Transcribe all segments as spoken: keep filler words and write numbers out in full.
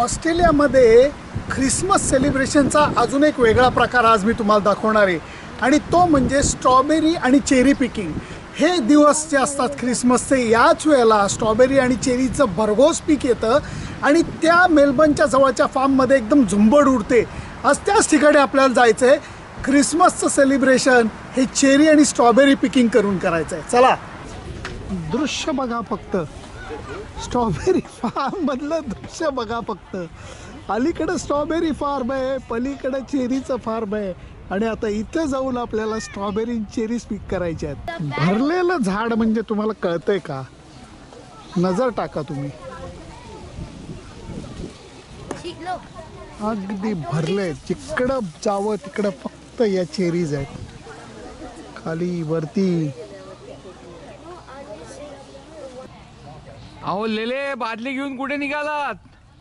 ऑस्ट्रेलियामध्ये ख्रिसमस सेलिब्रेशनचा अजून एक वेगळा प्रकार आज मी तुम्हाला दाखवणार आहे आणि तो म्हणजे स्ट्रॉबेरी आणि चेरी पिकिंग। हे दिवस जे असतात ख्रिसमसचे, याच वेळेला स्ट्रॉबेरी आणि चेरीचं भरघोस पीक येतं आणि त्या मेलबर्नच्या जवळच्या फार्ममध्ये एकदम झुंबड उडते। आज त्याच ठिकाणी आपल्याला जायचं आहे। ख्रिसमसचं सेलिब्रेशन हे चेरी आणि स्ट्रॉबेरी पिकिंग करून करायचं आहे। चला, दृश्य बघा फक्त, स्ट्रॉबेरी फार्म मधलं दृश्य बघा फक्त। अलीकडे स्ट्रॉबेरी फार्म आहे, पलीकडे चेरीचं फार्म आहे आणि आता इथे जाऊन आपल्याला स्ट्रॉबेरी चेरीज पिक करायचे आहेत। भरलेलं झाड म्हणजे तुम्हाला कळतंय का? नजर टाका तुम्ही, अगदी भरले। जिकडं जावं तिकडं फक्त या चेरीज आहेत, खाली वरती। अहो लेले, बादली घेऊन कुठे निघालात?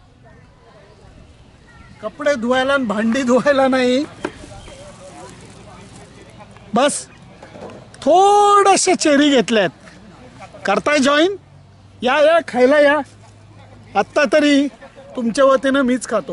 कपडे धुवायला आणि भांडी धुवायला नाही, बस थोडेसे चेरी घेतल्यात। करताय जॉईन? या या खायला या। आत्ता तरी तुमच्या वतीनं मीच खातो।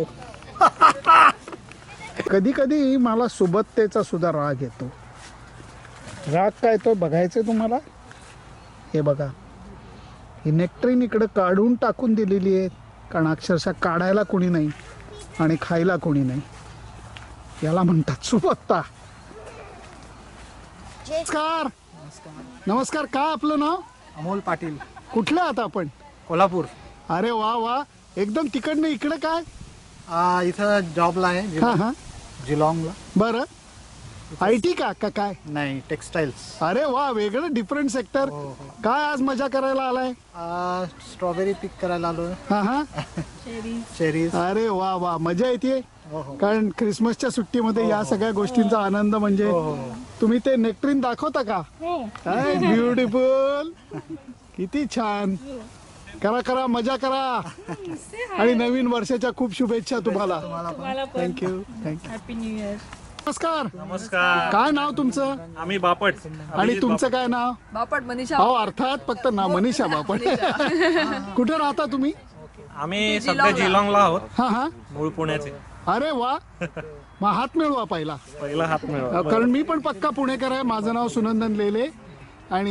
कधी कधी मला सुबत्तेचा सुद्धा राग येतो। राग काय तो बघायचं तुम्हाला? हे बघा, ही नेक्टरीन इकडे काढून टाकून दिलेली आहे, कारण अक्षरशः काढायला कोणी नाही आणि खायला कोणी नाही। याला म्हणतात सुबत्ता। नमस्कार। नमस्कार, काय आपलं नाव? अमोल पाटील। कुठले आहात आपण? कोल्हापूर। अरे वा वा, एकदम तिकडनं इकडे काय? आ, इथं जॉबला आहे। हा हा, जिलॉंगला। बरं, आय टी का का काय? नाही, टेक्सटाईल्स। अरे वा, वेगळं डिफरंट सेक्टर। काय आज मजा करायला आलाय? आ, स्ट्रॉबेरी पिक करायला आलो। हा हा, चेरीज। अरे वा वा, मजा येते। हो हो। कारण ख्रिसमसच्या सुट्टीमध्ये या सगळ्या गोष्टींचा आनंद म्हणजे तुम्ही ते नेक्टरीन दाखवता का? ब्युटिफुल, किती छान। करा करा, मजा करा आणि नवीन वर्षाच्या खूप शुभेच्छा तुम्हाला। Thank you thank you, happy new year. नमस्कार। नमस्कार। काय नाव तुमचं? आम्ही बापट। आणि तुमचं काय नाव? बापट मनीषा। हो, अर्थात फक्त नाव मनीषा बापट। कुठे राहता तुम्ही? आम्ही सध्या जिलॉंगला आहोत, हा हा, मूळ पुण्याचे। अरे वा, मग हात मिळवा पहिला। पहिला हात मिळवा, कारण मी पण पक्का पुणेकर आहे। माझं नाव सुनंदन लेले आणि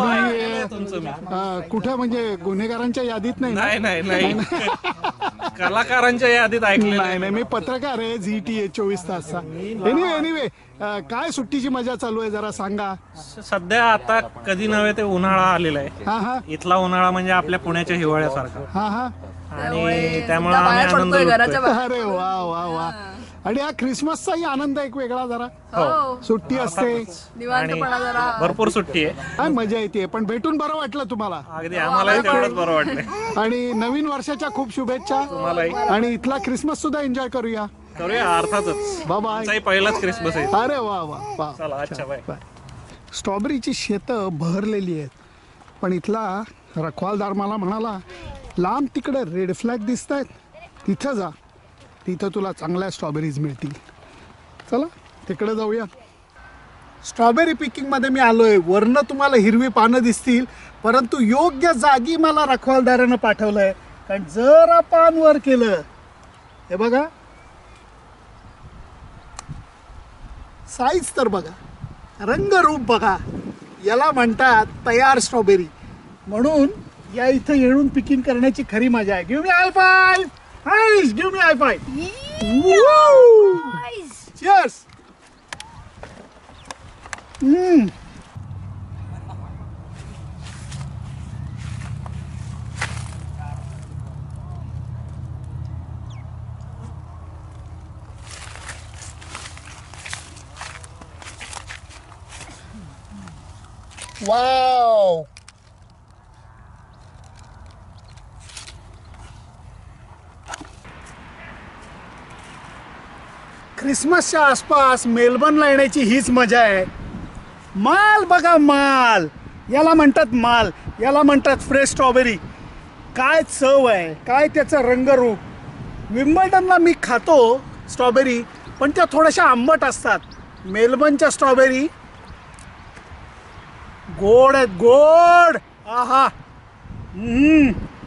मी अ, कुठं म्हणजे गुन्हेगारांच्या यादीत नाही ना? नाही नाही नाही, कलाकारांच्या यादीत ऐकले नाही नाही, मी पत्रकार आहे, झी टी ए चोवीस तासचा। एनिवे एनिवे, काय सुट्टीची मजा चालू आहे जरा सांगा। सध्या आता कधी नव्हे ते उन्हाळा आलेला आहे। हा हा इथला उन्हाळा म्हणजे आपल्या पुण्याच्या हिवाळ्यासारखा, हा हा, आणि त्यामुळे आम्ही आनंद लुटतोय। अरे वा वा वा, आणि हा ख्रिसमसचाही आनंद एक वेगळा जरा। सुट्टी असते, निवांतपणा जरा, भरपूर सुट्टी आहे, काय मजा येते। पण भेटून बरं वाटलं तुम्हाला? अगदी आम्हालाही तेवढंच बरं वाटलं। आणि नवीन वर्षाच्या खूप शुभेच्छा तुम्हालाही। आणि इथला ख्रिसमस सुद्धा एन्जॉय करूया। करूया, अर्थातच। बाय। पहिलाच क्रिसमस आहे। अरे वा वा वा, चला, अच्छा, बाय। स्ट्रॉबेरीची शेतं बहरलेली आहेत, पण इथला रखवालदार मला म्हणाला, लांब तिकडे रेड फ्लॅग दिसत आहेत, तिथं जा, तिथं तुला चांगल्या स्ट्रॉबेरीज मिळतील। चला तिकडे जाऊया। स्ट्रॉबेरी पिकिंगमध्ये मी आलोय। वरनं तुम्हाला हिरवी पानं दिसतील, परंतु योग्य जागी मला रखवालदारानं पाठवलंय, कारण जरा पान वर केलं, हे बघा साईज तर बघा, रंगरूप बघा, याला म्हणतात तयार स्ट्रॉबेरी। म्हणून या इथं येऊन पिकिंग करण्याची खरी मजा आहे। Give me high five, highs, give me high five. Cheers. Hmm, wow, ख्रिसमसच्या आसपास मेलबर्नला येण्याची हीच मजा आहे। माल बघा, माल, याला म्हणतात माल, याला म्हणतात फ्रेश स्ट्रॉबेरी। काय चव आहे, काय त्याचं रंगरूप। विम्बल्डनला मी खातो स्ट्रॉबेरी, पण त्या थोड्याशा आंबट असतात। मेलबर्नच्या स्ट्रॉबेरी गोड आहेत, गोड। आहा, हम्म